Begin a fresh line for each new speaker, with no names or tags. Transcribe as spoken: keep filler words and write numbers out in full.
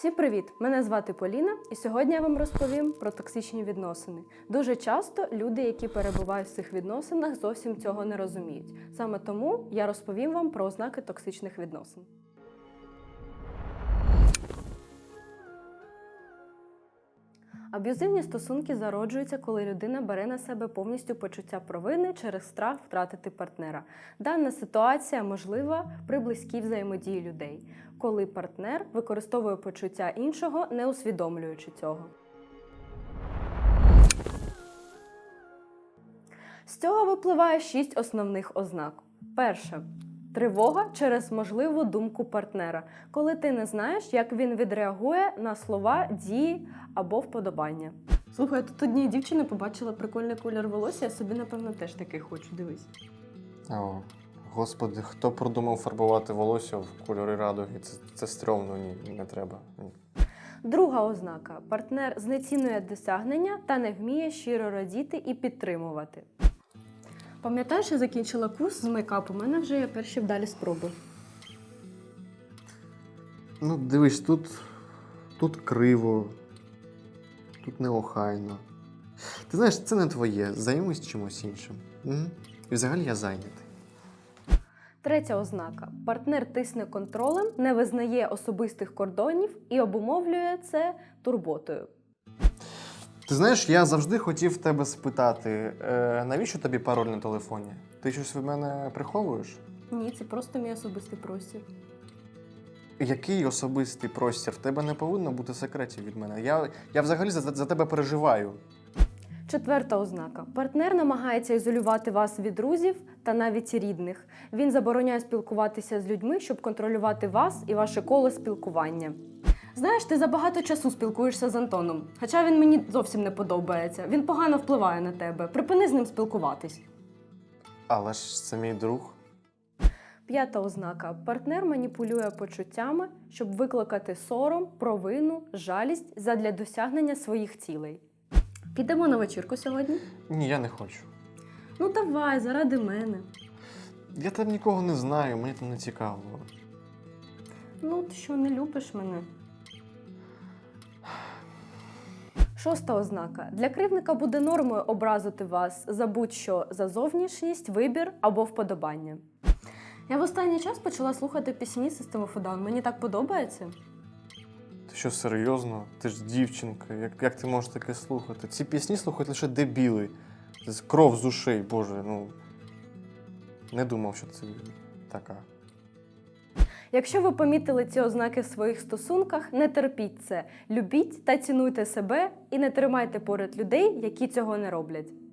Всім привіт! Мене звати Поліна, і сьогодні я вам розповім про токсичні відносини. Дуже часто люди, які перебувають в цих відносинах, зовсім цього не розуміють. Саме тому я розповім вам про ознаки токсичних відносин. Аб'юзивні стосунки зароджуються, коли людина бере на себе повністю почуття провини через страх втратити партнера. Дана ситуація можлива при близькій взаємодії людей, коли партнер використовує почуття іншого, не усвідомлюючи цього. З цього випливає шість основних ознак. Перше. Тривога через можливу думку партнера, коли ти не знаєш, як він відреагує на слова, дії або вподобання. Слухай, тут однієї дівчини побачила прикольний колір волосся, я собі, напевно, теж такий хочу, дивись.
О, господи, хто продумав фарбувати волосся в кольори радуги? Це, це стрьомно, ні, не треба. Ні.
Друга ознака. Партнер знецінує досягнення та не вміє щиро радіти і підтримувати. Пам'ятаєш, я закінчила курс з мейкапу, у мене вже є перші вдалі спроби.
Ну, дивись, тут, тут криво, тут неохайно. Ти знаєш, це не твоє, займись чимось іншим. Угу. І взагалі я зайнятий.
Третя ознака. Партнер тисне контролем, не визнає особистих кордонів і обумовлює це турботою.
Ти знаєш, я завжди хотів в тебе спитати, е, навіщо тобі пароль на телефоні? Ти щось від мене приховуєш?
Ні, це просто мій особистий простір.
Який особистий простір? В тебе не повинно бути секретів від мене. Я, я взагалі за, за тебе переживаю.
Четверта ознака. Партнер намагається ізолювати вас від друзів та навіть рідних. Він забороняє спілкуватися з людьми, щоб контролювати вас і ваше коло спілкування. Знаєш, ти забагато часу спілкуєшся з Антоном, хоча він мені зовсім не подобається. Він погано впливає на тебе. Припини з ним спілкуватись.
Але ж це мій друг.
П'ята ознака. Партнер маніпулює почуттями, щоб викликати сором, провину, жалість задля досягнення своїх цілей. Підемо на вечірку сьогодні?
Ні, я не хочу.
Ну давай, заради мене.
Я там нікого не знаю, мені там не цікаво.
Ну, ти що, не любиш мене? Шоста ознака. Для кривдника буде нормою образити вас за будь-що за зовнішність, вибір або вподобання. Я в останній час почала слухати пісні System of a Down. Мені так подобається.
Ти що, серйозно? Ти ж дівчинка, як, як ти можеш таке слухати? Ці пісні слухають лише дебіли. Це кров з ушей, боже, ну... Не думав, що це така.
Якщо ви помітили ці ознаки в своїх стосунках, не терпіть це. Любіть та цінуйте себе і не тримайте поряд людей, які цього не роблять.